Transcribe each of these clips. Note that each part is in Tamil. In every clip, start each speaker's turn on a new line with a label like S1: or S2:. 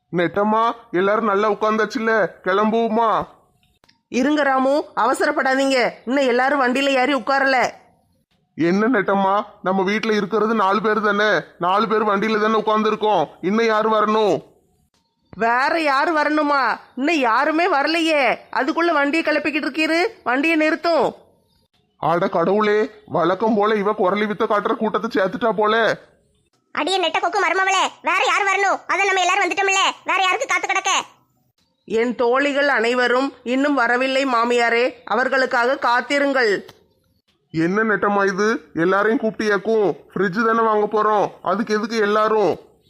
S1: நெட்டம்மா, எல்லாரும் நல்லா உட்காந்தாச்சுல்ல, கிளம்புவோமா?
S2: இருங்க ராமு, அவசரப்படாதீங்க. இன்னும் எல்லாரும் வண்டியில ஏறி உட்காரல.
S1: என்ன நெட்டம்மா, நம்ம வீட்டுல இருக்கிறது 4 பேர் தானே, 4 பேர் வண்டியில தானே உட்காந்துருக்கோம். இன்னும் யாரு வரணும்?
S2: வேற யாரு வரணுமா? இன்னும் யாருமே வரலையே. அதுக்குள்ள வண்டியை கிளப்பிக்கிட்டு இருக்கீரு. வண்டியை நிறுத்தும்.
S1: ஆட கடவுளே, வழக்கம் போல இவ குரலி வித்த காட்டுற கூட்டத்தை சேர்த்துட்டா போல.
S3: அடியே நெட்ட கொக்கு மருமவளே, வேற யார் வரணும்? அதான் நம்ம எல்லாரும் வந்துட்டோம்ல, வேற யாருக்கு காத்து கிடக்க?
S2: என் தோழிகள் அனைவரும் இன்னும் வரவில்லை மாமியாரே, அவர்களுக்காக காத்திருங்கள்.
S1: என்ன நெட்டம்மா இது, எல்லாரையும் கூப்பிட்டியாக்கும்? ஃப்ரிட்ஜ் தானே வாங்க போறோம், அதுக்கு எதுக்கு எல்லாரும்?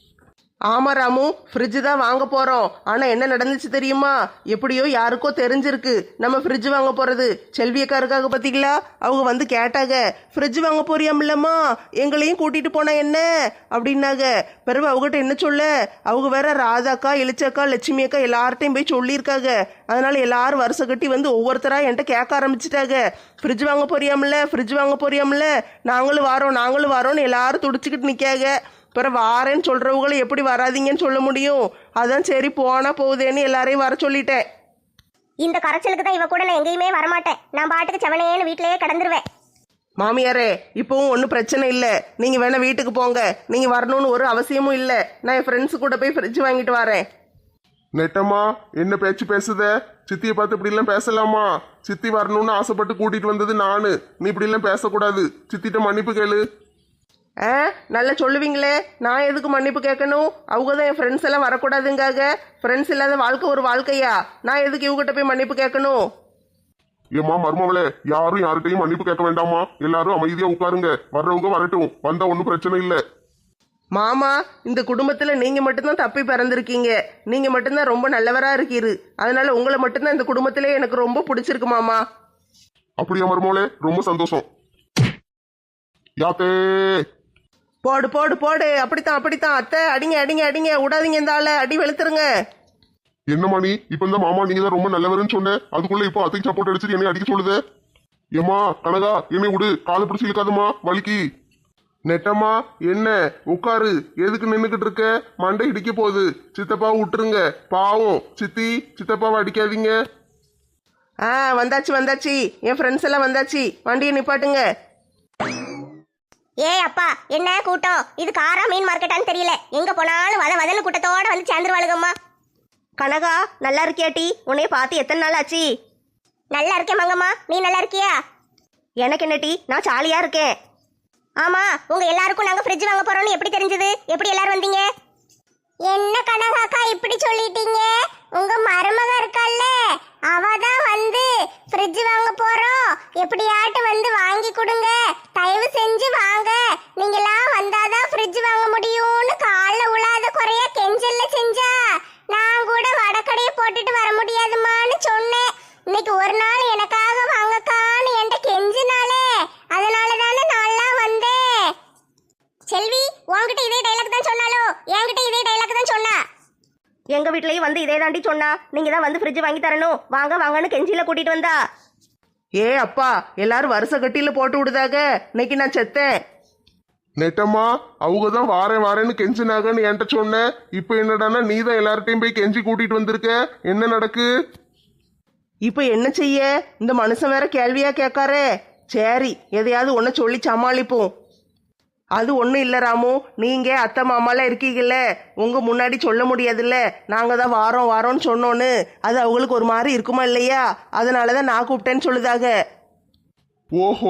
S2: ஆமா ராமு, ஃப்ரிட்ஜ் தான் வாங்க போறோம். ஆனா என்ன நடந்துச்சு தெரியுமா? எப்படியோ யாருக்கோ தெரிஞ்சிருக்கு நம்ம ஃப்ரிட்ஜ் வாங்க போறது. செல்வியக்காருக்காக பார்த்தீங்களா, அவங்க வந்து கேட்டாங்க, ஃப்ரிட்ஜ் வாங்க போறியாமில்லம்மா, எங்களையும் கூட்டிட்டு போனா என்ன அப்படின்னாங்க. பிறகு அவங்ககிட்ட என்ன சொல்ல, அவங்க வேற ராதாக்கா, இளிச்சக்கா, லட்சுமி அக்கா எல்லார்ட்டையும் போய் சொல்லியிருக்காங்க. அதனால எல்லாரும் வருஷம் கட்டி வந்து ஒவ்வொருத்தரா என்கிட்ட கேட்க ஆரம்பிச்சிட்டாங்க, ஃப்ரிட்ஜ் வாங்க போறியாமில்ல, ஃப்ரிட்ஜ் வாங்க போறியாமில்ல, நாங்களும் வாரோன்னு எல்லாரும் துடிச்சுக்கிட்டு நிற்காங்க. பிறகு வாரேன்னு சொல்றவங்களும் எப்படி வராதிங்கன்னு சொல்ல முடியும்? அதான் சரி போனா போகுதேன்னு எல்லாரையும் வர சொல்லிட்டேன்.
S3: இந்த கரைச்சலுக்கு தான் இவ கூட நான் எங்கேயுமே வரமாட்டேன். நான் பாட்டுக்கு செவனேன்னு வீட்டிலேயே கிடந்துருவேன்.
S2: மாமியாரே, இப்பவும் ஒன்றும் பிரச்சனை இல்லை. நீங்கள் வேணா வீட்டுக்கு போங்க. நீங்கள் வரணும்னு ஒரு அவசியமும் இல்லை. நான் என் ஃப்ரெண்ட்ஸு கூட போய் ஃப்ரிட்ஜ் வாங்கிட்டு வரேன்.
S1: நெட்டம்மா, என்ன பேச்சு பேசுத? சித்தியை பார்த்து இப்படி எல்லாம் பேசலாமா? சித்தி வரணும்னு ஆசைப்பட்டு கூட்டிட்டு வந்தது நானு. நீ இப்படி எல்லாம் பேசக்கூடாது. சித்திட்ட மன்னிப்பு கேளு.
S2: ஆ, நல்லா சொல்லுவீங்களே. நான் எதுக்கு மன்னிப்பு கேட்கணும்? அவங்க தான் என் ஃப்ரெண்ட்ஸ் எல்லாம் வரக்கூடாதுங்காக. ஃப்ரெண்ட்ஸ் இல்லாத வாழ்க்கை ஒரு வாழ்க்கையா? நான் எதுக்கு இவகிட்ட போய் மன்னிப்பு கேட்கணும்?
S1: ஏம்மா மருமவளே, யாரும் யார்கிட்டையும் மன்னிப்பு கேட்க வேண்டாமா. எல்லாரும் அமைதியா உட்காருங்க. வர்றவங்க வரட்டும், வந்தா ஒன்றும் பிரச்சனை இல்லை.
S2: மாமா, இந்த குடும்பத்தில் நீங்கள் மட்டும்தான் தப்பி பிறந்திருக்கீங்க. நீங்கள் மட்டும்தான் ரொம்ப நல்லவராக இருக்கீரு. அதனால உங்களை மட்டும்தான் இந்த குடும்பத்திலே எனக்கு ரொம்ப பிடிச்சிருக்கு மாமா.
S1: அப்படியா மருமவளே, ரொம்ப சந்தோஷம். யாத்தே
S2: போடு போடு போடு, அப்படித்தான். அத்தை, அடிங்க விடாதீங்க, இந்த ஆளை அடி வெளுத்துருங்க.
S1: என்ன மணி, இப்ப இந்த மாமா நீங்க தான் ரொம்ப நல்லவருன்னு சொன்னேன், அதுக்குள்ள இப்போ அத்தைக்கு சப்போர்ட் அடிச்சுட்டு என்னை அடிக்க சொல்லுது. ஏமா கனகா, என்னை விடு, காலை பிடிச்சி இழுக்காதம்மா, வலிக்கு. நெட்டம்மா, என்ன உட்காரு, எதுக்கு நின்றுக்கிட்டு இருக்க? மண்டை இடிக்க போகுது. சித்தப்பாவை விட்டுருங்க, பாவம். சித்தப்பாவை அடிக்காதீங்க.
S2: ஆ, வந்தாச்சு. என் ஃப்ரெண்ட்ஸ் எல்லாம் வந்தாச்சு. வண்டியை நிப்பாட்டுங்க.
S3: ஏ அப்பா, என்ன கூட்டம் இது? காரா மீன் மார்க்கெட்டான்னு தெரியல. எங்க போனாலும் வதன்னு கூட்டத்தோட வந்து சேர்ந்துருவாளுங்கம்மா.
S2: கனகா, நல்லா இருக்கியாட்டி? உன்னைய பார்த்து எத்தனை நாள் ஆச்சு?
S3: நல்லா இருக்கேன் மங்கம்மா, நீ நல்லா இருக்கியா?
S2: எனக்கு என்ன டீ, நான் ஜாலியா இருக்கேன்.
S3: ஆமா, உங்க எல்லாருக்கும் நாங்க ஃப்ரிட்ஜ் வாங்க போறோம்னு எப்படி தெரிஞ்சது? எப்படி எல்லாரும் வந்தீங்க? என்ன கனகாக்கா இப்படி சொல்லிட்டீங்க? உங்க மருமக இருக்கால்ல, அவதான் வந்து ஃப்ரிட்ஜ் வாங்க போறோம், எப்படியாட்டு வந்து வாங்கி கொடுங்க, தயவு செஞ்சு வாங்க, நீங்களாம் வந்தாதான் ஃப்ரிட்ஜ் வாங்க முடியும்னு கால்ல உழாத குறைய கெஞ்சல்ல செஞ்சா. நான் கூட வடக்கடையை போட்டுட்டு வர முடியாதுமான்னு சொன்னேன். இன்னைக்கு ஒரு நாள் எனக்காக வாங்கக்கான்னு என்கிட்ட கெஞ்சினாலே, அதனால தானே நான்லாம் வந்தேன். செல்வி, உன்கிட்ட இதே டைலாக் தான் சொன்னாலோ? என்கிட்ட இதே டைலாக் தான் சொன்னா.
S2: எங்க வீட்லயும் வந்து இதே தாண்டி சொன்னா. நீங்க தான் வந்து ஃப்ரிட்ஜ் வாங்கி தரணும், வாங்கன்னு கெஞ்சில கூட்டிட்டு வந்தா. ஏ அப்பா, எல்லாரும் வருஷ கட்டியில போட்டு விடுதாக. இன்னைக்கு நான் செத்தேன்.
S1: நெட்டம்மா, அவங்க தான் வாரேன்னு கெஞ்சினாங்கன்னு என்கிட்ட சொன்னேன். இப்ப என்னடானா நீ தான் எல்லார்ட்டையும் போய் கெஞ்சி கூட்டிட்டு வந்திருக்க. என்ன நடக்கு?
S2: இப்ப என்ன செய்ய? இந்த மனுஷன் வேற கேள்வியா கேட்காரே. சரி, எதையாவது ஒன்ன சொல்லி சமாளிப்போம். அது ஒன்றும் இல்லை ராமு, நீங்கள் அத்தை மாமாலாம் இருக்கீங்கல்ல, உங்கள் முன்னாடி சொல்ல முடியாதுல்ல, நாங்கள் தான் வாரோன்னு சொன்னோன்னு. அது அவங்களுக்கு ஒரு மாதிரி இருக்குமா இல்லையா? அதனால தான் நான் கூப்பிட்டேன்னு சொல்லுதாக.
S1: ஓஹோ,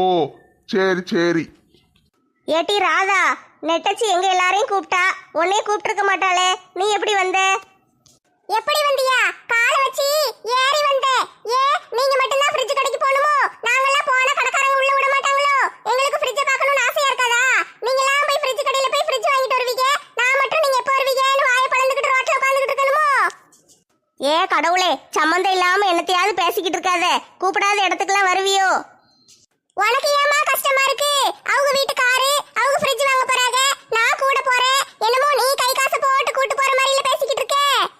S1: சரி.
S3: ஏட்டி ராதா, நெட்டச்சி எங்க எல்லாரையும் கூப்பிட்டா, உன்னையே கூப்பிட்டுருக்க மாட்டாளே, நீ எப்படி வந்த? எப்படி வந்தியா? கால வச்சு ஏறி வந்த. ஏ, நீங்க மட்டும் தான் ஃப்ரிட்ஜ் கடைக்கு போணுமோ? நாங்கெல்லாம் போனா கடைக்காரங்க உள்ள விட மாட்டாங்களோ? எங்களுக்கு ஃப்ரிட்ஜ் பார்க்கணும்னு ஆசையா இருக்காதா? நீங்கலாம் போய் ஃப்ரிட்ஜ் கடையில போய் ஃப்ரிட்ஜ் வாங்கிட்டு வருவீங்க, நான் மட்டும் நீங்க எப்போ வருவீங்கன்னு வாயை பழந்துக்கிட்டு ரோட்ல உட்காந்துக்கிட்டு இருக்கணுமோ? ஏ கடவுளே, சம்மந்தம் இல்லாம என்னத்தையாவது பேசிக்கிட்டு இருக்காத. கூப்பிடாத இடத்துக்குலாம் வருவியோ? உனக்கு ஏமா கஷ்டமா இருக்கு? அவங்க வீட்டுக்காரு அவங்க ஃப்ரிட்ஜ் வாங்க போறாங்க, நான் கூட போறேன். என்னமோ நீ கை காசு போட்டு கூட்டு போற மாதிரில பேசிக்கிட்டு இருக்க.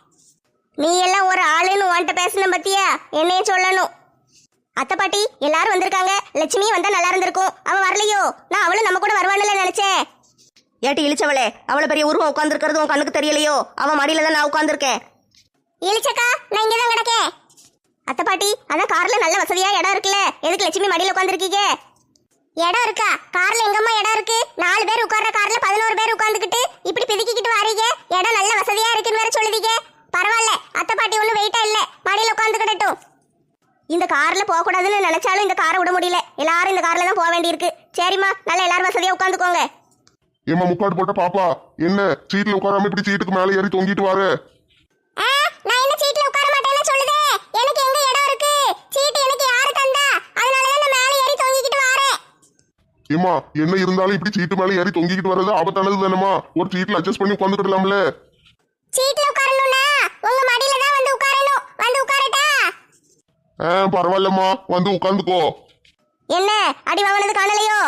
S3: நீ எல்லாம் ஒரு ஆளுன்னு உன்கிட்ட பேசணும் பத்தியா? என்னைய சொல்லணும். அத்தை பாட்டி எல்லாரும் வந்திருக்காங்க. லட்சுமி வந்தா நல்லா இருந்திருக்கும், அவ வரலையோ? நான் அவளும் நம்ம கூட வருவான்னு நினைச்சேன்.
S4: ஏட்டி இழிச்சவளே, அவ்வளவு பெரிய உருவம் உட்காந்துருக்கிறது உன் கண்ணுக்கு தெரியலையோ? அவன் மடியில தான் நான் உட்காந்துருக்கேன்.
S3: இழிச்சக்கா, நான் இங்கதான் கிடக்கேன்.
S4: அத்தை பாட்டி, அதான் கார்ல நல்ல வசதியா இடம் இருக்குல்ல, எதுக்கு லட்சுமி மடியில உட்காந்துருக்கீங்க?
S3: இடம் இருக்கா? கார்ல எங்கம்மா இடம் இருக்கு? 4 பேர் உட்கார்ற கார்ல 11 பேர் உட்கார்ந்துக்கிட்டு இப்படி பிதுக்கிக்கிட்டு வாரீங்க. இடம் நல்ல வசதியா இருக்குன்னு வேற சொல்லுவீங்க. பரவாயில்ல, அத்தை பாட்டி ஒன்றும் வெயிட்டா இல்ல, மடியில உட்காந்துக்கிட்டட்டும்.
S4: இந்த கார்ல போக கூடாதுன்னு நினைச்சாலும் இந்த காரை விட முடியல. எல்லாரும் இந்த கார்ல தான் போக வேண்டியிருக்கு. சரிம்மா, நல்லா எல்லாரும் வசதியா உட்காந்துக்கோங்க.
S1: ஏமா முக்காடு போட்ட பாப்பா, என்ன சீட்ல உட்காராம இப்படி சீட்டுக்கு மேல ஏறி தொங்கிட்டு வார?
S3: நான் என்ன சீட்ல உட்கார மாட்டேன்னு சொல்லுதே? எனக்கு எங்க இடம் இருக்கு? சீட்டு எனக்கு யாரு தந்தா? அதனாலதான் நான் மேல ஏறி தொங்கிக்கிட்டு வாரேன்.
S1: ஏமா என்ன இருந்தாலும் இப்படி சீட்டு மேல ஏறி தொங்கிக்கிட்டு வர்றது ஆபத்தானது தானேமா? ஒரு சீட்ல அட்ஜஸ்ட் பண்ணி உட்காந்துக்கிடலாம்ல.
S3: சீட்ல உட்காரணும்னா உங்க மடியில தான் வந்து உட்காரணும். வந்து உட்காரட்டா?
S1: பரவாயில்லம்மா, வந்து உட்காந்துக்கோ.
S4: என்ன அடி வாங்கினது காணலையோ?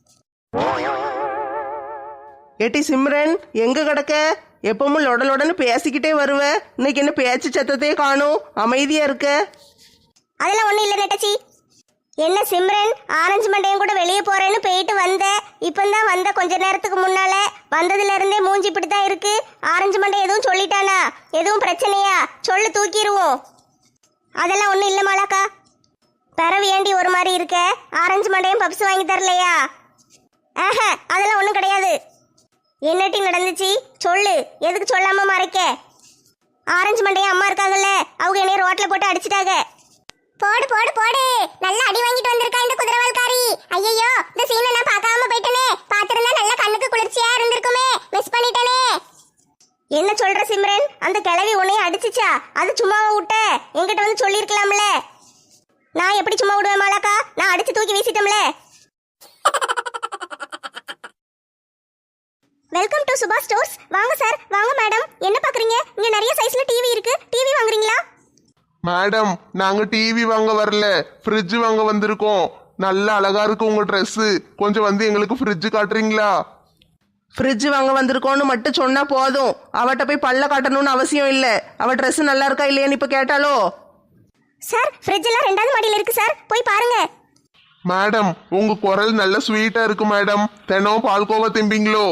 S2: ஏட்டி சிம்ரன், எங்க கிடக்க? எப்பவும் லொடலொடன்னு பேசிக்கிட்டே வருவ, இன்னைக்கு என்ன பேச்சு சத்தத்தையே காணும், அமைதியா இருக்க?
S4: அதெல்லாம் ஒண்ணும் இல்ல நெட்டச்சி. என்ன சிம்ரன், ஆரஞ்சு மண்டையும் கூட வெளியே போறேன்னு போயிட்டு வந்த, இப்பந்தான் வந்த கொஞ்ச நேரத்துக்கு முன்னால. வந்ததுல இருந்தே மூஞ்சி இப்படித்தான் இருக்கு. ஆரஞ்சு மண்டை எதுவும் சொல்லிட்டானா? எதுவும் பிரச்சனையா? சொல்லு, தூக்கிடுவோம். அதெல்லாம் ஒண்ணும் இல்ல மாலாக்கா. பிறவு ஏண்டி ஒரு மாதிரி இருக்க? ஆரஞ்சு மண்டையும் பப்ஸ் வாங்கி தரலையா? அதெல்லாம் ஒண்ணும் கிடையாது. என்னட்டி நடந்துச்சு சொல்லு, எதுக்கு சொல்லாம மறைக்க? ஆரஞ்சு மண்டையும் அம்மா இருக்காங்கல்ல, அவங்க என்னைய ரோட்ல போட்டு அடிச்சிட்டாங்க.
S3: போடு போடு போடு, நல்லா அடி வாங்கிட்டு வந்திருக்கா இந்த குதிரவால்காரி. ஐயோ, இந்த சீனை நான் பார்க்காம போயிட்டனே. பார்த்திருந்தா நல்ல கண்ணுக்கு குளிர்ச்சியா இருந்திருக்குமே. மிஸ் பண்ணிட்டனே.
S4: என்ன சொல்ற சிம்ரன்? அந்த கிழவி உன்னைய அடிச்சுச்சா? அது சும்மாவா விட்ட? என்கிட்ட வந்து சொல்லியிருக்கலாம்ல. நான் எப்படி சும்மா விடுவேன் மாலாக்கா? நான் அடிச்சு தூக்கி வீசிட்டோம்ல. Welcome to Subha stores. வாங்க சார், வாங்க மேடம். என்ன பாக்குறீங்க? இங்க நிறைய சைஸ்ல டிவி இருக்கு. டிவி வாங்குறீங்களா?
S1: மேடம், நாங்க டிவி வாங்க வரல, ஃப்ரிட்ஜ் வாங்க வந்திருக்கோம். நல்ல அழகா இருக்கு உங்க ட்ரெஸ். கொஞ்சம் வந்து எங்களுக்கு ஃப்ரிட்ஜ் காட்டுறீங்களா?
S2: ஃப்ரிட்ஜ் வாங்க வந்திருக்கோன்னு மட்டும் சொன்னா போதும், அவட்ட போய் பல்ல காட்டணும்னு அவசியம் இல்ல. அவ ட்ரெஸ் நல்லா இருக்கா இல்லையான்னு இப்ப கேட்டாலோ?
S4: சார், ஃப்ரிட்ஜ் எல்லாம் 2வது மாடியில இருக்கு சார், போய் பாருங்க.
S1: மேடம், உங்க குரல் நல்ல ஸ்வீட்டா இருக்கு மேடம். தினம் பால்கோவா திம்பிங்களோ?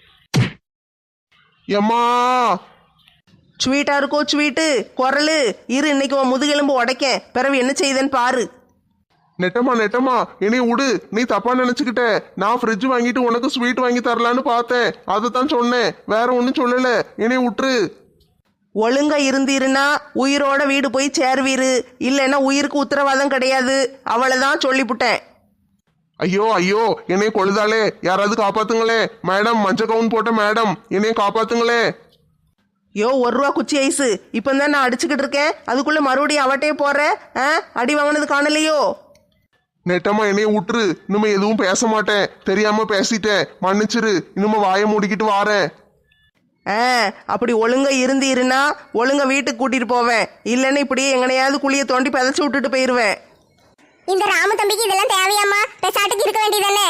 S1: எம்மா,
S2: ஸ்வீட்டா இருக்கோ ஸ்வீட்டு குரலு? இரு, இன்னைக்கு உன் முதுகெலும்பு உடைக்கேன், பிறகு என்ன செய்யுதுன்னு பாரு.
S1: நெட்டமா நெட்டமா என்னை விடு. நீ தப்பா நினைச்சுக்கிட்ட. நான் ஃப்ரிட்ஜ் வாங்கிட்டு உனக்கு ஸ்வீட் வாங்கி தரலான்னு பார்த்தேன், அதுதான் சொன்னேன், வேற ஒன்றும் சொல்லல. என்னை விட்டுரு.
S2: ஒழுங்கா இருந்தீருன்னா உயிரோட வீடு போய் சேர்வீரு, இல்லைன்னா உயிருக்கு உத்தரவாதம் கிடையாது. அவ்வளவுதான் சொல்லிவிட்டேன்.
S1: ஐயோ ஐயோ, என்னை கொழுதாலே, யாராவது காப்பாத்துங்களே. மேடம், மஞ்ச கவுன் போட்ட மேடம், என்னைய காப்பாத்துங்களே.
S2: யோ, 1 ரூபா குச்சி ஐஸு இப்பந்தான் நான் அடிச்சுக்கிட்டு இருக்கேன், அதுக்குள்ள மறுபடியும் அவட்டே போற? அடி வாங்கினது காணலையோ?
S1: நெட்டமா என்னைய விட்டுரு. இனிமே எதுவும் பேச மாட்டேன், தெரியாம பேசிட்டேன், மன்னிச்சிரு. இனிமே வாயை மூடிக்கிட்டு வாரேன்.
S2: அப்படி ஒழுங்கா இருந்தீருன்னா ஒழுங்கா வீட்டுக்கு கூட்டிட்டு போவேன், இல்லைன்னா இப்படியே எங்கனையாவது குழியை தோண்டி பதச்சு விட்டுட்டு போயிருவேன்.
S3: இந்த ராமு தம்பிக்கு இதெல்லாம் தேவையாம்மா? பெசாட்டுக்கு இருக்க வேண்டியதானே.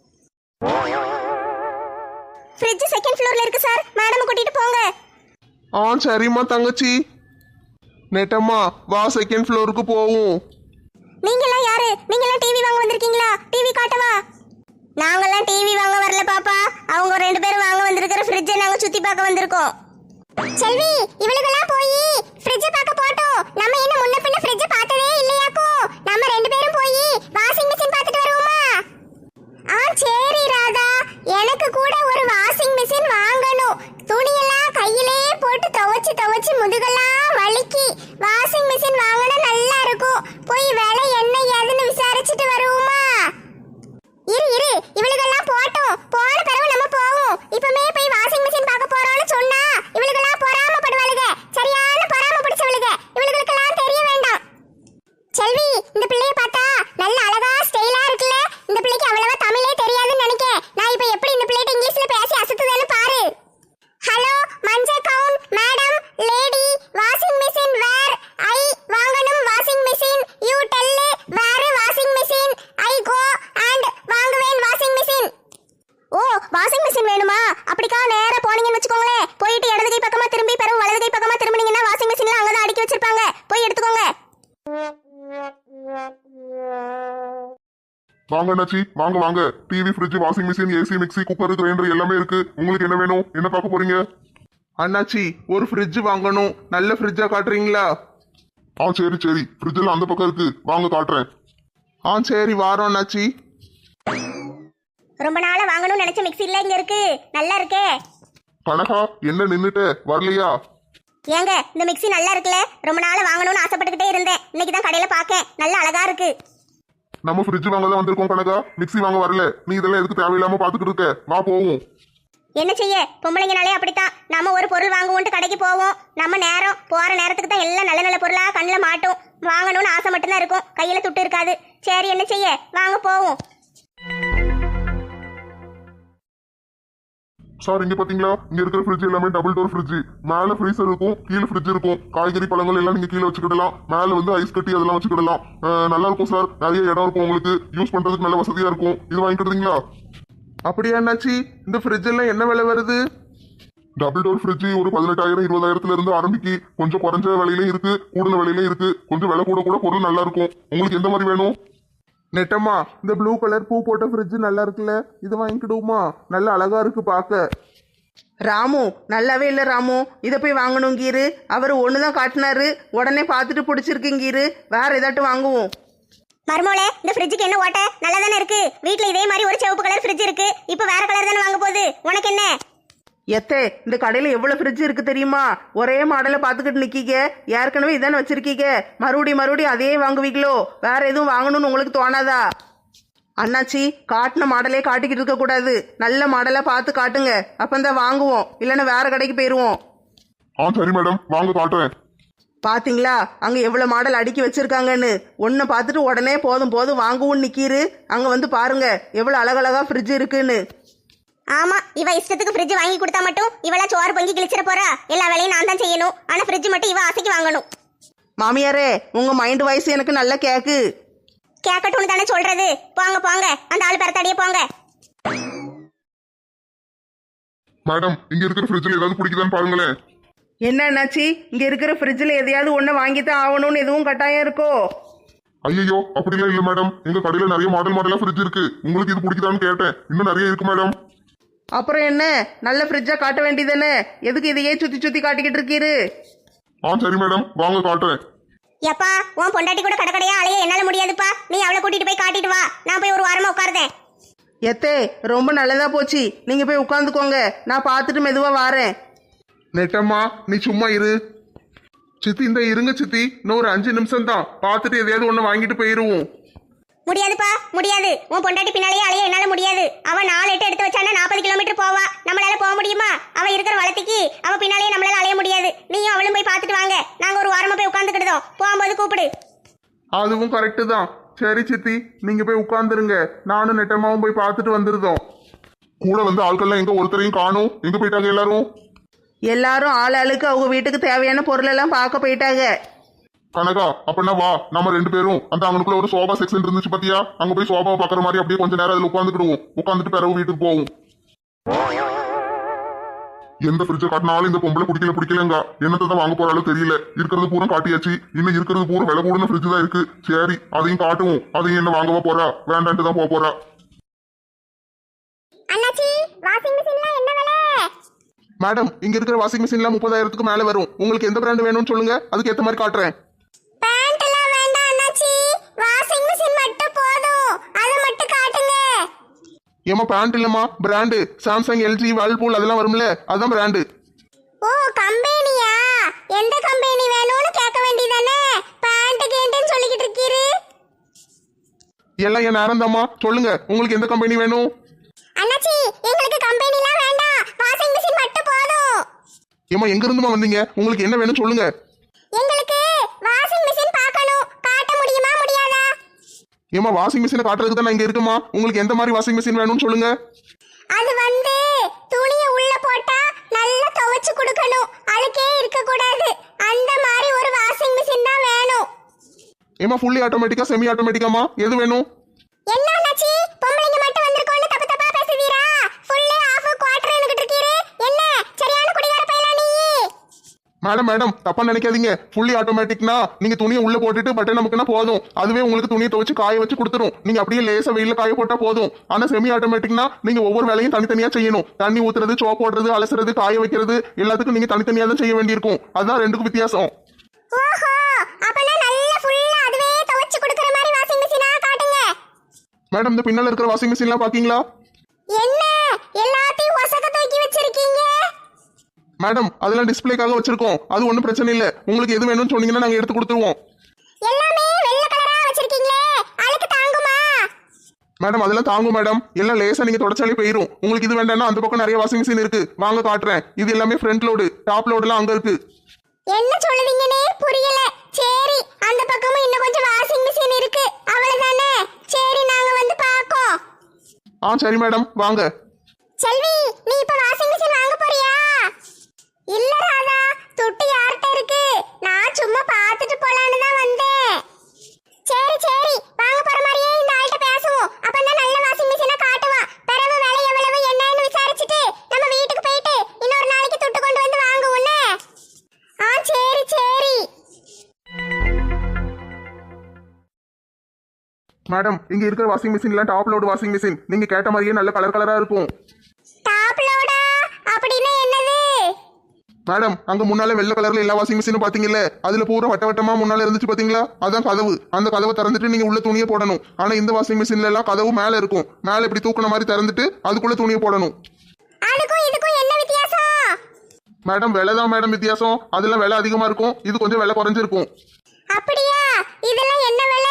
S4: ஃப்ரிட்ஜ் 2nd ஃப்ளோர்ல இருக்கு சார், மேடம் கூட்டிட்டு போங்க.
S1: சரிம்மா தங்கச்சி. நெட்டம்மா வா, 2nd ஃப்ளோருக்கு போவோம்.
S4: நீங்கெல்லாம் யாரு? நீங்கெல்லாம் டிவி வாங்க வந்திருக்கீங்களா? டிவி காட்டவா? நாங்கெல்லாம் டிவி வாங்க வரல பாப்பா. அவங்க 2 பேரும் வாங்க வந்திருக்கிற ஃப்ரிட்ஜை நாங்க சுத்தி பார்க்க வந்திருக்கோம்.
S3: செல்வி, இவளுக்கெல்லாம் போய் ஃப்ரிட்ஜ் பார்க்க போட்டோம். நம்ம என்ன முன்ன பின்ன ஃப்ரிட்ஜ் பார்த்ததே இல்லையாக்கோ? நம்ம 2 பேரும் போய் வாஷிங் மிஷின் பார்த்துட்டு வருவோமா? சரி ராதா, எனக்கு கூட ஒரு வாஷிங் மிஷின் வாங்கணும். துணியெல்லாம் கையிலே போட்டு துவைச்சு முதுகெல்லாம் வலிக்கி. வாஷிங் மிஷின் வாங்கினா நல்லா இருக்கும். போய் விலை என்ன ஏதுன்னு விசாரிச்சுட்டு வருவோமா? இரு, இவளுக்கெல்லாம் போட்டோம். போன பிறகு நம்ம போவோம். இப்பமே போய் வாஷிங் மிஷின் பார்க்க போறோம்னு சொன்னா இவளுக்கெல்லாம் பொறாமப்படுவாளுக. சரியான பொறாம பிடிச்சவளுக. இவளுக்கெல்லாம் தெரிய வேண்டாம். செல்வி, இந்த பிள்ளைய பார்த்தா நல்ல அழகா ஸ்டைலா இருக்குல்ல? இந்த பிள்ளைக்கு அவ்வளவா தமிழே தெரியாதுன்னு நினைக்கிறேன். நான் இப்ப எப்படி இந்த பிள்ளைகிட்ட இங்கிலீஷ்ல பேசி அசத்துதேன்னு பாரு. ஹலோ மஞ்ச gown madam, lady washing machine where? I வாங்கணும் washing machine. You tell where washing machine. I go and வாங்குவேன் washing machine.
S4: Oh, washing machine வேணுமா? அப்படிக்கா நேரா
S1: வாங்க அண்ணாச்சி, வாங்க வாங்க. TV, fridge, washing machine, AC, mixie, cooker, grinder எல்லாமே இருக்கு. உங்களுக்கு என்ன வேணும்? என்ன பார்க்க போறீங்க?
S5: அண்ணாச்சி ஒரு ஃப்ரிட்ஜ் வாங்கணும், நல்ல ஃப்ரிட்ஜா காட்டுறீங்களா?
S1: சரி சரி, ஃப்ரிட்ஜில் அந்த பக்கம் இருக்கு, வாங்க காட்டுறேன்.
S5: சரி வாரோம் அண்ணாச்சி.
S4: ரொம்ப நாளா வாங்கணும்னு நினைச்ச மிக்ஸி இல்ல இங்க இருக்கு, நல்லா இருக்கே.
S1: கனகா, என்ன நின்னுட்ட வரலையா?
S4: ஏங்க இந்த மிக்ஸி நல்லா இருக்குல்ல, ரொம்ப நாளா வாங்கணும்னு ஆசைப்பட்டுக்கிட்டே இருந்தேன். இன்னைக்கு தான் கடையில பார்க்கேன், நல்லா அழகா இருக்கு.
S1: நம்ம ஃப்ரிட்ஜ் வாங்க தான் வந்திருக்கோம் கனகா, மிக்ஸி வாங்க வரல. நீ இதெல்லாம் எதுக்கு தேவையில்லாம பாத்துக்கிட்டு இருக்க? வா போவோம்.
S4: என்ன செய்ய, பொம்பளைங்கனாலே அப்படித்தான். நம்ம ஒரு பொருள் வாங்குவோன்ட்டு கடைக்கு போவோம். நம்ம நேரம் போற நேரத்துக்கு தான் எல்லாம் நல்ல நல்ல பொருளா கண்ணில் மாட்டும். வாங்கணும்னு ஆசை மட்டும்தான் இருக்கும், கையில துட்டு இருக்காது. சரி என்ன செய்ய, வாங்க போவோம்.
S1: சார், இங்க பாத்தீங்களா, இங்க இருக்கிற ஃப்ரிட்ஜ் எல்லாமே டபுள் டோர் ஃப்ரிட்ஜ். மேல ஃப்ரீசர் இருக்கும், கீழே ஃப்ரிட்ஜ் இருக்கும். காய்கறி பழங்கள் எல்லாம் நீங்க கீழே வச்சுக்கிடலாம். மேல வந்து ஐஸ் கட்டி அதெல்லாம் வச்சுக்கிடலாம். நல்லா இருக்கும் சார், நிறைய இடம் இருக்கும், உங்களுக்கு யூஸ் பண்றதுக்கு நல்ல வசதியா இருக்கும். இது வாங்கிக்கிறீங்களா?
S5: அப்படியா அண்ணாச்சி, இந்த ஃப்ரிட்ஜ் எல்லாம் என்ன விலை வருது?
S1: டபுள் டோர் ஃப்ரிட்ஜ் ஒரு 18,000 20,000 இருந்து ஆரம்பிக்கு. கொஞ்சம் குறைஞ்ச விலையிலே இருக்கு, கூடுதல் விலையிலே இருக்கு. கொஞ்சம் விலை கூட கூட பொருள் நல்லா இருக்கும். உங்களுக்கு எந்த மாதிரி வேணும்?
S5: நெட்டம்மா இந்த ப்ளூ கலர் பூ போட்ட ஃப்ரிட்ஜ் நல்லா இருக்குல்ல, இது வாங்கிக்கிடுவோமா? நல்ல அழகா இருக்கு பார்க்க.
S2: ராமு நல்லாவே இல்லை ராமு, இதை போய் வாங்கணுங்கீரு. அவர் ஒன்று தான் காட்டினாரு, உடனே பார்த்துட்டு பிடிச்சிருக்குங்கீரு. வேற ஏதாட்டும் வாங்குவோம்.
S4: மர்மோளே, இந்த ஃப்ரிட்ஜுக்கு என்ன ஓட்ட? நல்லா தானே இருக்கு. வீட்ல இதே மாதிரி ஒரு சிவப்பு கலர் ஃப்ரிட்ஜ் இருக்கு, இப்போ வேற கலர் தானே வாங்க போகுது. உனக்கு என்ன?
S2: எத்தே, இந்த கடையில் எவ்வளோ ஃப்ரிட்ஜ் இருக்கு தெரியுமா? ஒரே மாடலை பார்த்துக்கிட்டு நிற்கீங்க. ஏற்கனவே இதானே வச்சிருக்கீங்க, மறுபடியும் அதே வாங்குவீங்களோ? வேற எதுவும் வாங்கணும்னு உங்களுக்கு தோணாதா? அண்ணாச்சி, காட்டின மாடலே காட்டிக்கிட்டு இருக்கக்கூடாது, நல்ல மாடலாக பார்த்து காட்டுங்க, அப்பந்தான் வாங்குவோம். இல்லைன்னா வேற கடைக்கு போயிடுவோம்.
S1: சரி மேடம், வாங்க காட்டுறேன்.
S2: பாத்தீங்களா அங்க எவ்வளவு மாடல் அடுக்கி வச்சிருக்காங்கன்னு? ஒன்ன பார்த்துட்டு உடனே போதும் போதும் வாங்குவோம் நிக்கீரு. அங்க வந்து பாருங்க எவ்வளவு அழகழகா ஃப்ரிட்ஜ் இருக்குன்னு.
S4: ஆமா, இவ இஷ்டத்துக்கு ஃப்ரிட்ஜ் வாங்கி கொடுத்தா மட்டும் இவளா சோறு பொங்கி கிழிச்சிட போறா? எல்லா வேலையும் நான் தான் செய்யணும். ஆனா ஃப்ரிட்ஜ் மட்டும் இவ ஆசைக்கு வாங்கணும்.
S2: மாமியாரே, உங்க மைண்ட் வாய்ஸ் எனக்கு நல்லா கேக்கு.
S4: கேட்கட்டும்னு தானே சொல்றது. போங்க போங்க, அந்த ஆள் பெறத்தாடியே போங்க.
S1: மேடம், இங்க இருக்கிற ஃப்ரிட்ஜில் ஏதாவது பிடிக்குதான்னு பாருங்களேன்.
S2: என்ன அண்ணாச்சி, இங்க இருக்கிற ஃப்ரிட்ஜில் எதையாவது ஒன்று வாங்கித்தான் ஆகணும்னு எதுவும் கட்டாயம் இருக்கோ?
S1: ஐயோ, அப்படிலாம் இல்ல மேடம். எங்க கடையில நிறைய மாடலா ஃப்ரிட்ஜ் இருக்கு. உங்களுக்கு இது பிடிக்குதான்னு கேட்டேன். இன்னும் நிறைய இருக்கு மேடம்.
S2: அப்புறம் என்ன, நல்ல ஃப்ரிட்ஜா காட்ட வேண்டியதானே? எதுக்கு இதையே சுத்தி சுத்தி காட்டிக்கிட்டு இருக்கீரு?
S1: சரி மேடம், வாங்க காட்டுறேன்.
S4: எப்பா, உன் பொண்டாட்டி கூட கடற்கடையா அலைய என்னால முடியாதுப்பா. நீ அவளை கூட்டிட்டு போய் காட்டிட்டு வா, நான் போய் ஒரு வாரமா உட்காருதேன்.
S2: எத்தே, ரொம்ப நல்லதா போச்சு. நீங்க போய் உட்காந்துக்கோங்க, நான் பார்த்துட்டு மெதுவா வாரேன்.
S5: நெட்டம்மா நீ சும்மா இரு. சித்தி இந்த இருங்க சித்தி, இன்னும் ஒரு 5 நிமிஷம் தான், பார்த்துட்டு எதையாவது ஒன்று வாங்கிட்டு போயிருவோம்.
S4: முடியாதுப்பா, முடியாது. உன் பொண்டாட்டி பின்னாலேயே அலைய என்னால முடியாது. அவ 4 எட்டு எடுத்து வச்சானா 40 கிலோமீட்டர் போவா. நம்மளால போக முடியுமா? அவ இருக்கிற வளர்த்திக்கு அவ பின்னாலேயே நம்மளால அலைய முடியாது. நீயும் அவளும் போய் பார்த்துட்டு வாங்க, நாங்க ஒரு வாரமா போய் உட்காந்துக்கிட்டோம். போகும்போது கூப்பிடு.
S5: அதுவும் கரெக்டு தான். சரி சித்தி, நீங்க போய் உட்கார்ந்துருங்க, நானும் நெட்டம்மாவும் போய் பார்த்துட்டு வந்துருதோம்.
S1: கூட வந்து ஆட்கள்லாம் எங்க ஒருத்தரையும் காணும். எங்க போயிட்டாங்க எல்லாரும்?
S2: எல்லாரும் ஆளாளுக்கு அவங்க வீட்டுக்கு தேவையான பொருள் எல்லாம் பார்க்க போயிட்டாங்க.
S1: கனகா, அப்படின்னா வா, நம்ம 2 பேரும் அந்த அங்கனுக்குள்ள ஒரு சோபா செக்ஷன் இருந்துச்சு பாத்தியா, அங்க போய் சோபாவை பாக்குற மாதிரி அப்படியே கொஞ்ச நேரம் அதுல உட்காந்துக்கிடுவோம். உட்காந்துட்டு பிறகு வீட்டுக்கு போவோம். எந்த ஃப்ரிட்ஜை காட்டினாலும் இந்த பொம்பளை பிடிக்கலங்க. என்னத்தை தான் வாங்க போறாலும் தெரியல. இருக்கிறது பூரா காட்டியாச்சு, இன்னும் இருக்கிறது பூரா விலை கூடன ஃப்ரிட்ஜ் தான் இருக்கு. சரி, அதையும் காட்டுவோம். அதையும் என்ன வாங்கவா போறா? வேண்டான்ட்டு தான் போறா.
S3: அண்ணாச்சி, வாஷிங் மிஷின்ல என்ன விலை?
S5: மேடம், இங்க இருக்கிற வாஷிங் மிஷின்ல 30,000க்கு மேல வரும். உங்களுக்கு எந்த பிராண்ட் வேணும்னு சொல்லுங்க, அதுக்கு ஏத்த மாதிரி காட்டுறேன்.
S3: பேண்ட் எல்லாம் வேண்டாம் அண்ணாச்சி, வாஷிங் மிஷின் மட்டும் போதும், அதை மட்டும் காட்டுங்க.
S5: ஏமா பேண்ட் இல்லம்மா, பிராண்டு சாம்சங், எல்ஜி, வேர்ல்பூல் அதெல்லாம் வரும்ல, அதுதான் பிராண்டு.
S3: ஓ, கம்பெனியா? எந்த கம்பெனி வேணும்னு கேட்க வேண்டியதானே? பேண்ட் கேட்டேன்னு சொல்லிக்கிட்டு இருக்கீரு.
S5: எல்லாம் என் நேரம் தாம்மா, சொல்லுங்க உங்களுக்கு எந்த கம்பெனி வேணும்?
S3: அண்ணாச்சி, எங்களுக்கு கம்பெனிலாம் வேண்டாம், வாஷிங் மிஷின் மட்டும் போதும்.
S5: ஏமா எங்க இருந்துமா வந்தீங்க? உங்களுக்கு என்ன வேணும் சொல்லுங்க.
S3: எங்களுக்கு வாஷிங் மிஷின் பார்க்கணும், காட்ட முடியுமா முடியாதா?
S5: ஏமா வாஷிங் மிஷினை காட்டுறதுக்கு தான் நான் இங்க இருக்குமா. உங்களுக்கு எந்த மாதிரி வாஷிங் மிஷின் வேணும்னு சொல்லுங்க.
S3: அது வந்து துணியை உள்ள போட்டா நல்லா துவைச்சு கொடுக்கணும், அழுக்கே இருக்க கூடாது. அந்த மாதிரி ஒரு வாஷிங் மிஷின் தான் வேணும்.
S5: ஏமா ஃபுல்லி ஆட்டோமேட்டிக்கா செமி ஆட்டோமேட்டிக்காமா எது வேணும்?
S3: என்ன அண்ணாச்சி, பொம்பளைங்க மட்டும் வந்திருக்கோன்னு தப்பு தப்பா பேசுவீரா? ஃபுல்லி ஆஃப் குவார்டர் என்கிட்ட இருக்கீரு. என்ன சரியான குடிகார பையலா நீ?
S5: மேடம் மேடம் தப்பா நினைக்காதீங்க. ஃபுல்லி ஆட்டோமேட்டிக்னா நீங்க துணியை உள்ள போட்டுட்டு பட்டன் நமக்குன்னா போதும், அதுவே உங்களுக்கு துணியை துவைச்சு காய வச்சு கொடுத்துரும். நீங்க அப்படியே லேசா வெயில காய போட்டா போதும். ஆனா செமி ஆட்டோமேட்டிக்னா நீங்க ஒவ்வொரு வேலையும் தனித்தனியா செய்யணும். தண்ணி ஊத்துறது, சோப் போடுறது, அலசுறது, காய வைக்கிறது எல்லாத்துக்கும் நீங்க தனித்தனியா தான் செய்ய வேண்டியிருக்கும். அதுதான் ரெண்டுக்கும் வித்தியாசம்.
S3: ஓஹோ, அப்பனா நல்ல ஃபுல்லா அதுவே துவைச்சு கொடுக்கிற மாதிரி வாஷிங் மெஷினா காட்டுங்க.
S5: மேடம் இந்த பின்னால இருக்கிற வாஷிங் மிஷின்லாம் பாக்கீங்களா?
S3: என்ன எல்லாத்தையும் ஒசக்க தூக்கி வச்சிருக்கீங்க?
S5: மேடம் அதெல்லாம் டிஸ்பிளேக்காக வச்சிருக்கோம். அது ஒன்றும் பிரச்சனை இல்லை. உங்களுக்கு எது வேணும்னு சொன்னீங்கன்னா நாங்கள் எடுத்து கொடுத்துருவோம்.
S3: எல்லாமே வெள்ளை கலரா வச்சிருக்கீங்களே, அழுக்கு தாங்குமா?
S5: மேடம் அதெல்லாம் தாங்கும் மேடம். எல்லாம் லேசா நீங்க தொடச்சாலே போயிடும். உங்களுக்கு இது வேண்டாம்னா அந்த பக்கம் நிறைய வாஷிங் மிஷின் இருக்கு, வாங்க காட்டுறேன். இது எல்லாமே ஃப்ரண்ட் லோடு, டாப் லோடுலாம் அங்க இருக்கு.
S3: என்ன சொல்லுவீங்கன்னே புரியல. சரி, அந்த பக்கமும் இன்னும் கொஞ்சம் வாஷிங் மிஷின் இருக்கு, அவ்வளவுதானே? சரி, நாங்க வந்து பாக்கோம்.
S5: சரி மேடம் வாங்க.
S3: செல்வி, நீ இப்ப வாஷிங் மிஷின் வாங்க போறியா? இல்ல ராதா, துட்டு யார்கிட்ட இருக்கு? நான் சும்மா பார்த்துட்டு போலான்னு தான் வந்தேன். சரி சரி, வாங்க போற மாதிரியே இந்த ஆள்கிட்ட பேசுவோம். அப்பதான் நல்ல வாஷிங் மிஷினை காட்டுவான். பிறகு விலை எவ்வளவு என்னன்னு விசாரிச்சுட்டு நம்ம வீட்டுக்கு போயிட்டு இன்னொரு நாளைக்கு துட்டு கொண்டு வந்து வாங்குவோன்னே. சரி சரி.
S5: மேடம் இங்க இருக்கிற வாஷிங் மிஷின்லாம் டாப் லோடு வாஷிங் மிஷின். நீங்க கேட்ட மாதிரியே நல்ல கலர் கலரா இருக்கும்.
S3: டாப் லோடா? அப்படின்னா என்னது?
S5: மேடம் அங்க முன்னால வெள்ளை கலர்ல எல்லா வாஷிங் மிஷினும் பாத்தீங்கல்ல, அதுல பூரா வட்ட வட்டமா முன்னால இருந்துச்சு பாத்தீங்களா? அதான் கதவு. அந்த கதவை திறந்துட்டு நீங்க உள்ள துணியை போடணும். ஆனா இந்த வாஷிங் மிஷின்ல எல்லாம் கதவு மேல இருக்கும். மேல இப்படி தூக்குன மாதிரி திறந்துட்டு அதுக்குள்ள துணியை போடணும்.
S3: அதுக்கும் இதுக்கும் என்ன வித்தியாசம்?
S5: மேடம் விலை தான் மேடம் வித்தியாசம். அதெல்லாம் விலை அதிகமா இருக்கும், இது கொஞ்சம் விலை குறைஞ்சிருக்கும்.
S3: அப்படியா? இதெல்லாம் என்ன விலை?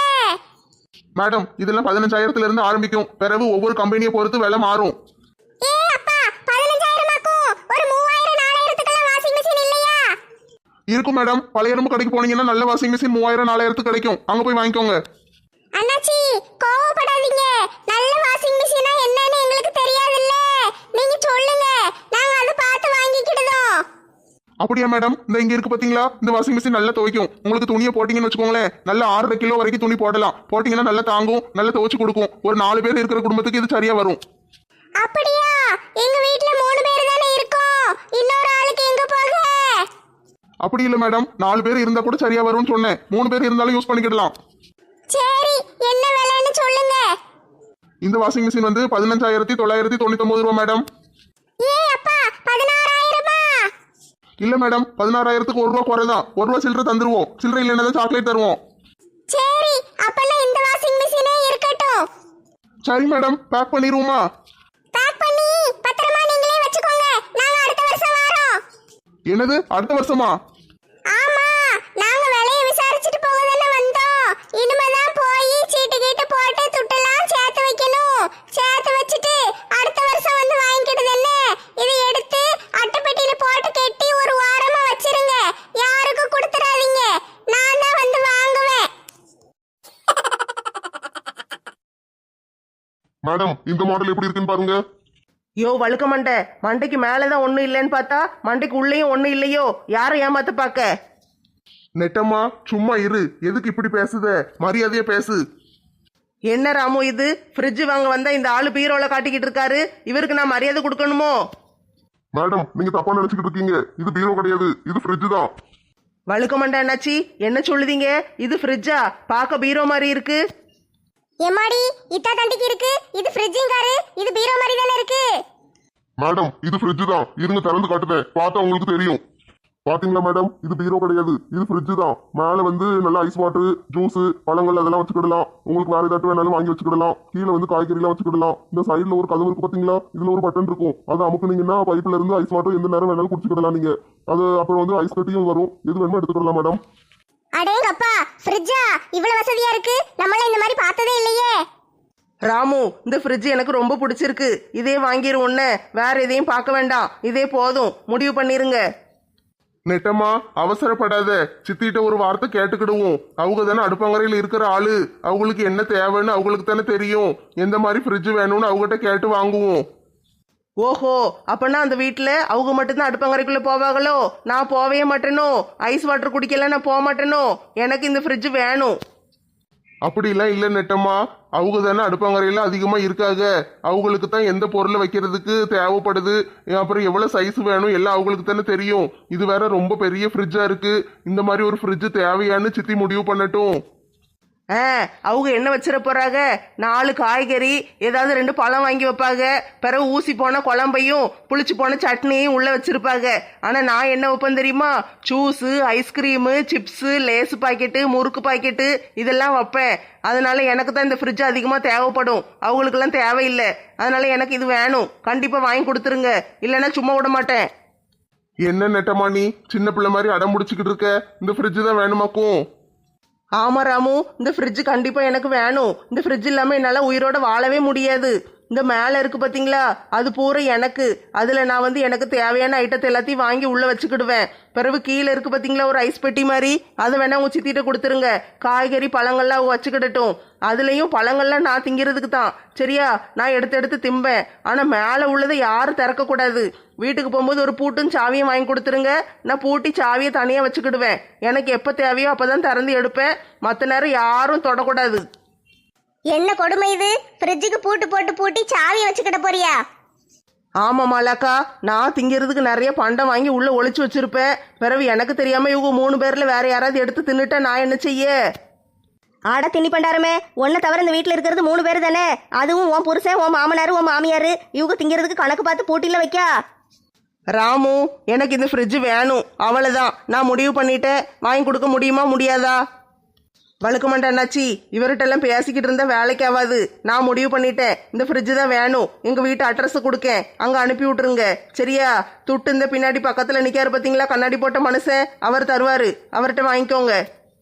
S5: மேடம் இதெல்லாம் 15,000 இருந்து ஆரம்பிக்கும். பிறகு ஒவ்வொரு கம்பெனியை பொறுத்து விலை மாறும்.
S3: ஏ அப்பா, 15,000 ஒரு 3,000 4,000க்குலாம் வாஷிங் மிஷின் இல்லையா?
S5: இருக்கும் மேடம். பழைய இரும்பு கடைக்கு போனீங்கன்னா நல்ல வாஷிங் மிஷின் 3,000 4,000 கிடைக்கும். அங்க போய் வாங்கிக்கோங்க.
S3: அண்ணாச்சி, கோவப்படாதீங்க. நல்ல வாஷிங் மிஷினா என்னன்னு எங்களுக்கு தெரியாதுல்ல, நீங்க சொல்லுங்க, நாங்க அதை பார்த்து வாங்கிக்கிடுதோம்.
S5: அப்படியா மேடம்? இந்த இங்க இருக்கு பாத்தீங்களா, இந்த வாஷிங் மிஷின் நல்லா துவைக்கும். உங்களுக்கு துணியை போட்டீங்கன்னு வச்சுக்கோங்களேன், நல்லா 6.5 கிலோ வரைக்கும் துணி போடலாம். போட்டீங்கன்னா நல்லா தாங்கும், நல்லா துவைச்சு கொடுக்கும். ஒரு 4 பேர் இருக்கிற குடும்பத்துக்கு இது சரியா வரும்.
S3: அப்படியா? எங்க வீட்ல 3 பேர் தானே இருக்கோம், இன்னொரு ஆளுக்கு எங்க போக?
S5: அப்படி இல்லை மேடம், 4 பேர் இருந்தா கூட சரியா வரும்னு சொன்னேன். 3 பேர் இருந்தாலும் யூஸ் பண்ணிக்கிடலாம்.
S3: சரி, என்ன விலைன்னு சொல்லுங்க.
S5: இந்த வாஷிங் மிஷின் வந்து 15,999 ரூபா மேடம்.
S3: ஏ அப்பா, 16,000-மா?
S5: இல்ல மேடம், 16,000க்கு 1 ரூபா குறைதான். 1 ரூபா சில்லறை தந்துருவோம். சில்லறை இல்லைன்னா சாக்லேட் தருவோம்.
S3: சரி, அப்பெல்லாம் இந்த வாஷிங் மிஷினே இருக்கட்டும்.
S5: சரி மேடம், பேக் பண்ணிடுவோமா?
S3: பேக் பண்ணி பத்திரமா நீங்களே வச்சுக்கோங்க, நாங்க அடுத்த வருஷம் வரோம்.
S5: என்னது அடுத்த வருஷமா?
S3: ஆமா, நாங்க விலைய விசாரிச்சுட்டு போக தானே வந்தோம். இனிமேதான் போய் சீட்டு கீட்டு போட்டு துட்டெல்லாம் சேர்த்து வைக்கணும். சேர்த்து வச்சுட்டு அடுத்த வருஷம் வந்து வாங்கிக்கிடுது என்ன. இதை எடுத்து அட்டைப்பெட்டியில போட்டு கெட்டி ஒரு வாரமா வச்சிருங்க, யாருக்கும் கொடுத்துடாதீங்க. நான் தான் வந்து வாங்குவேன்.
S1: மேடம் இந்த மாடல் எப்படி இருக்குன்னு பாருங்க.
S2: யோ வழுக்க மண்டை, மண்டைக்கு மேலதான் ஒண்ணும் இல்லைன்னு பார்த்தா மண்டைக்கு உள்ளேயும் ஒண்ணும் இல்லையோ? யாரை ஏமாத்த பார்க்க?
S5: நெட்டம்மா சும்மா இரு. எதுக்கு இப்படி பேசுத? மரியாதையா பேசு.
S2: என்ன ராமு இது? ஃப்ரிட்ஜ் வாங்க வந்தா இந்த ஆளு பீரோல காட்டிக்கிட்டு இருக்காரு. இவருக்கு நான் மரியாதை கொடுக்கணுமோ?
S1: மேடம் நீங்க தப்பா நினைச்சுக்கிட்டு இருக்கீங்க. இது பீரோ கிடையாது, இது ஃப்ரிட்ஜ் தான்.
S2: வழுக்க மண்டை அண்ணாச்சி, என்ன சொல்லுதீங்க? இது ஃப்ரிட்ஜா? பார்க்க பீரோ மாதிரி இருக்கு.
S3: எம்மாடி, இத்தா தண்டிக்கு இருக்கு. இது ஃப்ரிட்ஜிங்காரு, இது பீரோ மாதிரி தானே இருக்கு.
S1: மேடம் இது ஃப்ரிட்ஜ் தான். இருங்க திறந்து காட்டுதேன், பார்த்தா உங்களுக்கு தெரியும். பாத்தீங்களா மேடம், இது பீரோ கிடையாது, இது ஃப்ரிட்ஜ் தான். மேல வந்து நல்ல ஐஸ் வாட்டர், ஜூஸ், பழங்கள் அதெல்லாம் வச்சுக்கிடலாம். உங்களுக்கு வேற ஏதாட்டும் வேணாலும் வாங்கி வச்சுக்கிடலாம். கீழே வந்து காய்கறிலாம் வச்சுக்கிடலாம். இந்த சைடுல ஒரு கதவு இருக்கு பாத்தீங்களா, இதுல ஒரு பட்டன் இருக்கும். அதை அமுக்குனீங்கன்னா பைப்ல இருந்து ஐஸ் வாட்டர் எந்த நேரம் வேணாலும் குடிச்சுக்கிடலாம் நீங்க. அது அப்புறம் வந்து ஐஸ் கட்டியும் வரும். எது வேணுமோ எடுத்துக்கிடலாம் மேடம்.
S3: அடேங்கப்பா, ஃப்ரிட்ஜா இவ்வளவு வசதியா இருக்கு. நம்மளாம் இந்த மாதிரி பார்த்ததே இல்லையே.
S2: ராமு, இந்த ஃப்ரிட்ஜ் எனக்கு ரொம்ப பிடிச்சிருக்கு. இதே வாங்கிருவோன்னு, வேற எதையும் பார்க்க வேண்டாம். இதே போதும், முடிவு பண்ணிருங்க.
S5: நெட்டம்மா அவசரப்படாத. சித்திட்ட ஒரு வார்த்தை கேட்டுக்கிடுவோம். அவங்க தானே அடுப்பங்கரையில் இருக்கிற ஆளு. அவங்களுக்கு என்ன தேவைன்னு அவங்களுக்கு தானே தெரியும். எந்த மாதிரி ஃப்ரிட்ஜ் வேணும்னு அவங்ககிட்ட கேட்டு வாங்குவோம்.
S2: ஓஹோ, அப்பனா அந்த வீட்டில் அவங்க மட்டும்தான் அடுப்பங்கரைக்குள்ளே போவாங்களோ? நான் போவே மாட்டேனோ? ஐஸ் வாட்டர் குடிக்கல நான் போக மாட்டேனோ? எனக்கு இந்த ஃப்ரிட்ஜ் வேணும்.
S1: அப்படிலாம் இல்லை நெட்டம்மா. அவங்க தானே அடுப்பாங்கரையில அதிகமா இருக்காங்க. அவங்களுக்கு தான் எந்த பொருளை வைக்கிறதுக்கு தேவைப்படுது, அப்புறம் எவ்வளவு சைஸ் வேணும் எல்லாம் அவங்களுக்கு தானே தெரியும். இது வேற ரொம்ப பெரிய ஃப்ரிட்ஜா இருக்கு. இந்த மாதிரி ஒரு ஃப்ரிட்ஜ் தேவையான்னு சித்தி முடிவு பண்ணட்டும்.
S2: அவங்க என்ன வச்சிட போறாங்க? 4 காய்கறி, ஏதாவது 2 பழம் வாங்கி வைப்பாங்க. பிறகு ஊசி போன குழம்பையும் புளிச்சு போன சட்னியும் உள்ள வச்சிருப்பாங்க. ஆனா நான் என்ன வைப்பேன் தெரியுமா? Juice, ice cream, chips, Lays packet, முறுக்கு பாக்கெட்டு இதெல்லாம் வைப்பேன். அதனால எனக்கு தான் இந்த ஃப்ரிட்ஜ் அதிகமா தேவைப்படும், அவங்களுக்கெல்லாம் தேவையில்லை. அதனால எனக்கு இது வேணும், கண்டிப்பா வாங்கி கொடுத்துருங்க, இல்லைன்னா சும்மா விட மாட்டேன்.
S1: என்ன நெட்டம்மா நீ சின்ன பிள்ளை மாதிரி அடம் முடிச்சுக்கிட்டு இருக்க? இந்த ஃப்ரிட்ஜ் தான் வேணுமாக்கும்?
S2: ஆமா ராமு, இந்த ஃப்ரிட்ஜ் கண்டிப்பா எனக்கு வேணும். இந்த ஃப்ரிட்ஜ் இல்லாம என்னால உயிரோட வாழவே முடியாது. இந்த மேல இருக்கு பாத்தீங்களா, அது பூரா எனக்கு. அதுல நான் எனக்கு தேவையான ஐட்டத்தை எல்லாத்தையும் வாங்கி உள்ள வச்சுக்கிடுவேன். பிறகு கீழே இருக்கு பாத்தீங்களா ஒரு ஐஸ் பெட்டி மாதிரி, அதை வேணா உங்க சித்திட்ட கொடுத்துருங்க. காய்கறி பழங்கள்லாம் அவங்க வச்சுக்கிடட்டும். அதுலயும் பழங்கள்லாம் நான் திங்கிறதுக்கு தான், சரியா? நான் எடுத்து எடுத்து திம்பேன். ஆனா மேல உள்ளதை யாரும் திறக்க கூடாது. வீட்டுக்கு போகும்போது ஒரு பூட்டும் சாவியும் வாங்கி கொடுத்துருங்க. நான் பூட்டி சாவியை தனியா வச்சுக்கிடுவேன். எனக்கு எப்ப தேவையோ அப்பதான் திறந்து எடுப்பேன். மற்ற நேரம் யாரும் தொடக்கூடாது.
S3: என்ன கொடுமை இது? ஃப்ரிட்ஜுக்கு பூட்டு போட்டு பூட்டி சாவியை வச்சுக்கிட போறியா?
S2: ஆமா மாலாக்கா, நான் திங்கிறதுக்கு நிறைய பண்டம் வாங்கி உள்ள ஒளிச்சு வச்சிருப்பேன். பிறகு எனக்கு தெரியாம இவங்க 3 பேர்ல வேற யாராவது எடுத்து தின்னுட்டா நான் என்ன செய்ய?
S4: ஆட திணி பண்டாரமே, ஒன்றை தவிர இந்த வீட்டில் இருக்கிறது 3 பேர் தானே. அதுவும் உன் புருஷன், உன் மாமனார், உன் மாமியார், இவங்க திங்கிறதுக்கு கணக்கு பார்த்து பூட்டில வைக்கா.
S2: ராமு, எனக்கு இந்த ஃப்ரிட்ஜ் வேணும், அவ்வளவுதான். நான் முடிவு பண்ணிட்டேன். வாங்கி கொடுக்க முடியுமா முடியாதா? வழுக்க மாட்டேன் அண்ணாச்சி, இவர்கிட்ட எல்லாம் பேசிக்கிட்டு இருந்தா வேலைக்கு ஆகாது. நான் முடிவு பண்ணிட்டேன், இந்த ஃப்ரிட்ஜ் தான் வேணும். எங்க வீட்டு அட்ரஸ் கொடுக்கேன், அங்க அனுப்பி விட்டுருங்க, சரியா? துட்டு இந்த பின்னாடி பக்கத்துல நிக்காரு பாத்தீங்களா கண்ணாடி போட்ட மனுஷன், அவர் தருவாரு, அவர்கிட்ட வாங்கிக்கோங்க.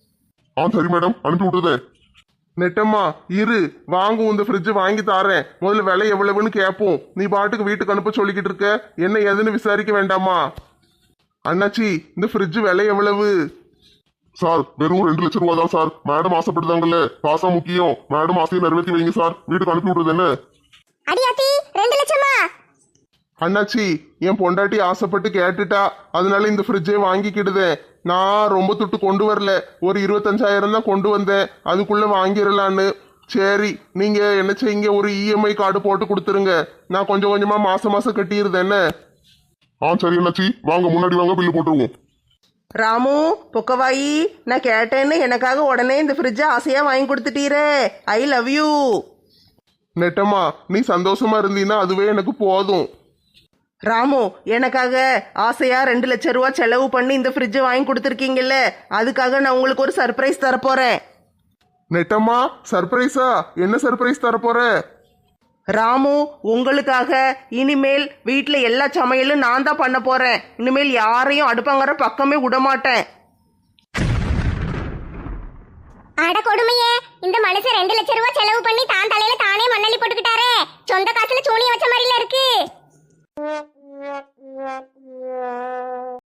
S1: சரி மேடம், அனுப்பி விட்டுதே. நெட்டம்மா இரு, வாங்கும் இந்த ஃப்ரிட்ஜ் வாங்கி தாரேன். முதல்ல விலை எவ்வளவுன்னு கேட்போம். நீ பாட்டுக்கு வீட்டுக்கு அனுப்ப சொல்லிக்கிட்டு இருக்க, என்ன ஏதுன்னு விசாரிக்க வேண்டாமா? அண்ணாச்சி, இந்த ஃப்ரிட்ஜ் விலை எவ்வளவு? சார், வெறும் 2 லட்சம் ரூபா தான் சார். மேடம் ஆசைப்பட்டுதாங்கல்ல, காசா முக்கியம். மேடம் ஆசையை நிறைவேற்றி வைங்க சார். வீட்டுக்கு அனுப்பி விடுறது என்ன?
S3: அடியாத்தி 2 லட்சமா?
S1: அண்ணாச்சி, என் பொண்டாட்டி ஆசைப்பட்டு கேட்டுட்டா, அதனால இந்த ஃப்ரிட்ஜே வாங்கிக்கிடுதேன். நான் ரொம்ப துட்டு கொண்டு வரல, ஒரு 25,000 தான் கொண்டு வந்தேன். அதுக்குள்ள வாங்கிடலான்னு. சரி, நீங்க என்ன செய்யுங்க, ஒரு இஎம்ஐ கார்டு போட்டு கொடுத்துருங்க. நான் கொஞ்சம் கொஞ்சமா மாசம் மாசம் கட்டிடுறேன். என்ன? சரி அண்ணாச்சி, வாங்க முன்னாடி வாங்க, பில்லு போட்டுருவோம்.
S2: ராமு பொக்கவாயி, நான் கேட்டேன்னு எனக்காக உடனே இந்த ஃப்ரிட்ஜை ஆசையா வாங்கி கொடுத்துட்டீரே. I love you.
S1: நெட்டம்மா, நீ சந்தோஷமா இருந்தீன்னா அதுவே எனக்கு போதும்.
S2: ராமு, எனக்காக ஆசையா 2 லட்சம் ரூபா செலவு பண்ணி இந்த ஃப்ரிட்ஜை வாங்கி கொடுத்துருக்கீங்கல்ல, அதுக்காக நான் உங்களுக்கு ஒரு சர்ப்ரைஸ் தரப்போறேன்.
S1: நெட்டம்மா, சர்ப்ரைஸா? என்ன சர்ப்ரைஸ் தரப்போற?
S2: ராமு, உங்களுக்காக இனிமேல் வீட்டில் எல்லா சமையலும் நான் தான் பண்ண போறேன். இனிமேல் யாரையும் அடுப்பங்கற பக்கமே விட மாட்டேன்.
S3: அட கொடுமையே, இந்த மனுஷன் 2 லட்சம் ரூபாய் செலவு பண்ணி தான் தலையில தானே மண்ணள்ளி போட்டுக்கிட்டாரே. சொந்த காசுல சூனிய வச்ச மாதிரில இருக்கு.